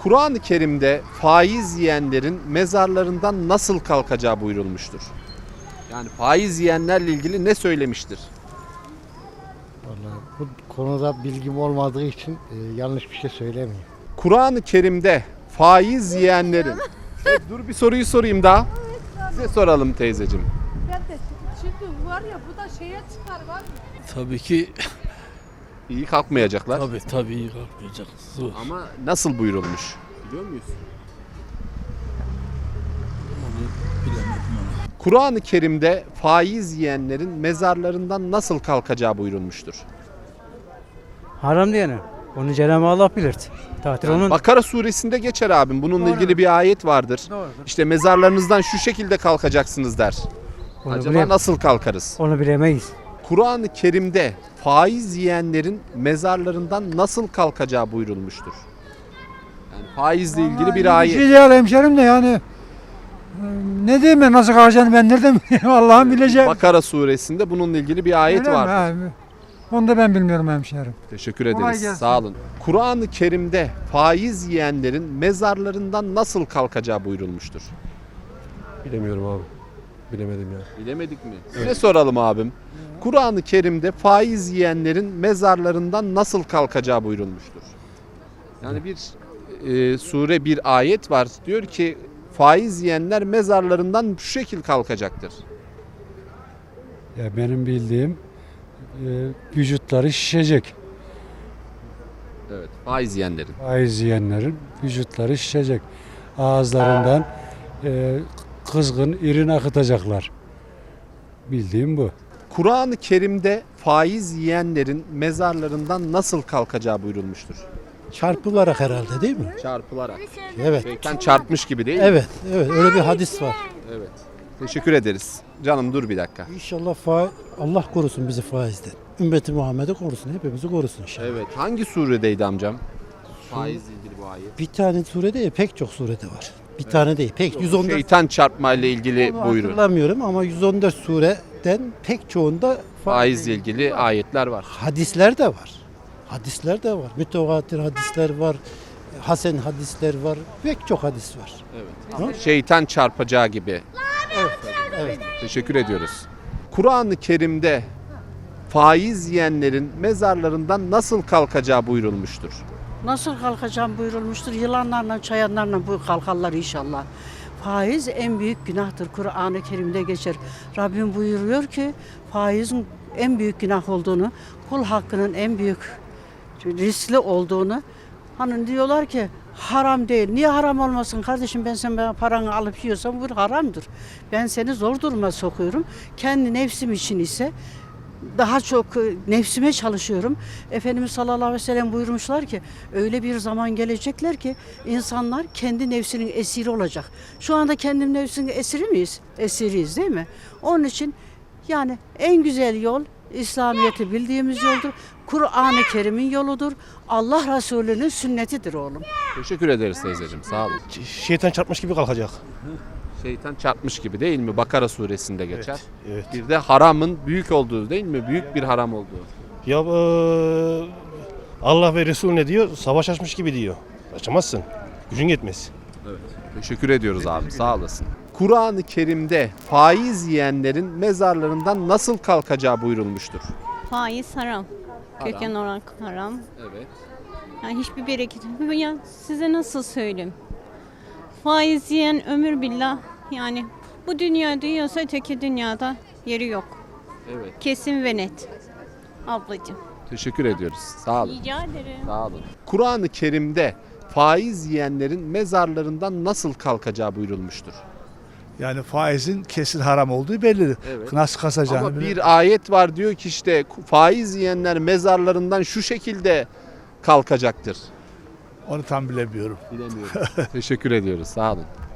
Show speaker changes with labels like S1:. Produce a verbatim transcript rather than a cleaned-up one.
S1: Kur'an-ı Kerim'de faiz yiyenlerin mezarlarından nasıl kalkacağı buyurulmuştur. Yani faiz yiyenlerle ilgili ne söylemiştir?
S2: Vallahi bu konuda bilgim olmadığı için e, yanlış bir şey söylemeyeyim.
S1: Kur'an-ı Kerim'de faiz yiyenlerin... Evet, dur bir soruyu sorayım daha. Size soralım teyzeciğim.
S3: Ben de şimdi var ya bu da şeye çıkar var mı?
S4: Tabii ki
S1: İyi kalkmayacaklar.
S4: tabii tabii iyi kalkmayacak. Zor.
S1: Ama nasıl buyurulmuş? Biliyor muyuz?
S4: Onu bilemedim onu.
S1: Kur'an-ı Kerim'de faiz yiyenlerin mezarlarından nasıl kalkacağı buyurulmuştur.
S5: Haram diyene. Onu Cenab-ı Allah bilir. Tatil onun.
S1: Bakara suresinde geçer abim. Bununla
S5: Doğru.
S1: ilgili bir ayet vardır.
S5: Doğrudur.
S1: İşte mezarlarınızdan şu şekilde kalkacaksınız der.
S5: Onu,
S1: Acaba
S5: bilem-
S1: nasıl kalkarız?
S5: onu bilemeyiz.
S1: Kur'an-ı Kerim'de faiz yiyenlerin mezarlarından nasıl kalkacağı buyurulmuştur. Yani faizle ilgili bir
S6: Bir şey
S1: ayet.
S6: değil hemşerim de yani e, ne diyeyim ben nasıl kalacağını ben nereden bileyim Allah'ım bileceğim.
S1: Bakara suresinde bununla ilgili bir ayet
S6: Öyle mi?
S1: vardır.
S6: Ha, onu da ben bilmiyorum hemşerim.
S1: Teşekkür
S6: Kolay
S1: ederiz.
S6: gelsin.
S1: Sağ olun. Kur'an-ı Kerim'de faiz yiyenlerin mezarlarından nasıl kalkacağı buyurulmuştur.
S7: Bilemiyorum abi. Bilemedim ya.
S1: Bilemedik mi? Size soralım abim. Kur'an-ı Kerim'de faiz yiyenlerin mezarlarından nasıl kalkacağı buyurulmuştur. Yani bir e, sure bir ayet var. Diyor ki faiz yiyenler mezarlarından şu şekil kalkacaktır.
S7: Ya benim bildiğim e, vücutları şişecek.
S1: Evet. Faiz yiyenlerin.
S7: Faiz yiyenlerin vücutları şişecek. Ağızlarından e, kızgın irin akıtacaklar. Bildiğim bu.
S1: Kur'an-ı Kerim'de faiz yiyenlerin mezarlarından nasıl kalkacağı buyurulmuştur.
S2: Çarpılarak herhalde değil mi?
S1: Çarpılarak.
S2: Evet.
S1: Şeytan çarpmış gibi değil mi?
S2: Evet, evet öyle bir hadis var.
S1: Evet. Teşekkür ederiz. Canım dur bir dakika.
S2: İnşallah fa Allah korusun bizi faizden. Ümmeti Muhammed'i korusun, hepimizi korusun inşallah.
S1: Evet. Hangi suredeydi amcam? Faizle ilgili bu ayet.
S2: Bir tane surede değil, pek çok surede var. Bir tane değil, pek yüz on dört
S1: Şeytan çarpma ile ilgili
S2: Onu
S1: buyurun.
S2: hatırlamıyorum ama yüz on dört sureden pek çoğunda
S1: Faizle ilgili ayetler var.
S2: hadisler de var. Hadisler de var. Mütevatir hadisler var. Hasen hadisler var. Pek çok hadis var.
S1: Evet. Şeytan çarpacağı gibi.
S2: Evet.
S1: Teşekkür ediyoruz. Kur'an-ı Kerim'de faiz yiyenlerin mezarlarından nasıl kalkacağı buyurulmuştur.
S8: Nasıl kalkacağım buyurulmuştur. Yılanlarla, çayanlarla bu kalkarlar inşallah. Faiz en büyük günahtır. Kur'an-ı Kerim'de geçer. Rabbim buyuruyor ki faizin en büyük günah olduğunu, kul hakkının en büyük riskli olduğunu. Hani diyorlar ki haram değil. Niye haram olmasın kardeşim, ben sen bana paranı alıp yiyorsam bu haramdır. Ben seni zor duruma sokuyorum. Kendi nefsim için ise daha çok nefsime çalışıyorum. Efendimiz sallallahu aleyhi ve sellem buyurmuşlar ki öyle bir zaman gelecekler ki insanlar kendi nefsinin esiri olacak. Şu anda kendi nefsinin esiri miyiz? Esiriyiz değil mi? Onun için yani en güzel yol İslamiyet'i bildiğimiz yoldur. Kur'an-ı Kerim'in yoludur. Allah Resulü'nün sünnetidir oğlum.
S1: Teşekkür ederiz teyzeciğim. Sağ olun.
S9: Şeytan çarpmış gibi kalkacak.
S1: Şeytan çarpmış gibi değil mi? Bakara suresinde geçer.
S9: Evet.
S1: Bir de haramın büyük olduğu değil mi? Büyük bir haram olduğu.
S9: Ya eee, Allah ve Resul ne diyor? Savaş açmış gibi diyor. Açamazsın. Gücün yetmez.
S1: Teşekkür ediyoruz abi. Sağ olasın. Kur'an-ı Kerim'de faiz yiyenlerin mezarlarından nasıl kalkacağı buyurulmuştur.
S10: Faiz haram.
S1: Haram.
S10: Köken olarak haram.
S1: Evet.
S10: Yani hiçbir bereket. Ya size nasıl söyleyeyim? Faiz yiyen ömür billah. Yani bu dünya diyorsa öteki dünyada yeri yok.
S1: Evet.
S10: Kesin ve net. Ablacığım.
S1: Teşekkür ediyoruz. Sağ olun.
S10: Rica ederim.
S1: Sağ olun. Kur'an-ı Kerim'de faiz yiyenlerin mezarlarından nasıl kalkacağı buyurulmuştur.
S11: Yani faizin kesin haram olduğu belli.
S1: Evet.
S11: Nasıl kasacağını
S1: Ama
S11: bile-
S1: bir ayet var diyor ki işte faiz yiyenler mezarlarından şu şekilde kalkacaktır.
S11: onu tam bilemiyorum.
S1: Bilemiyorum. Teşekkür ediyoruz. Sağ olun.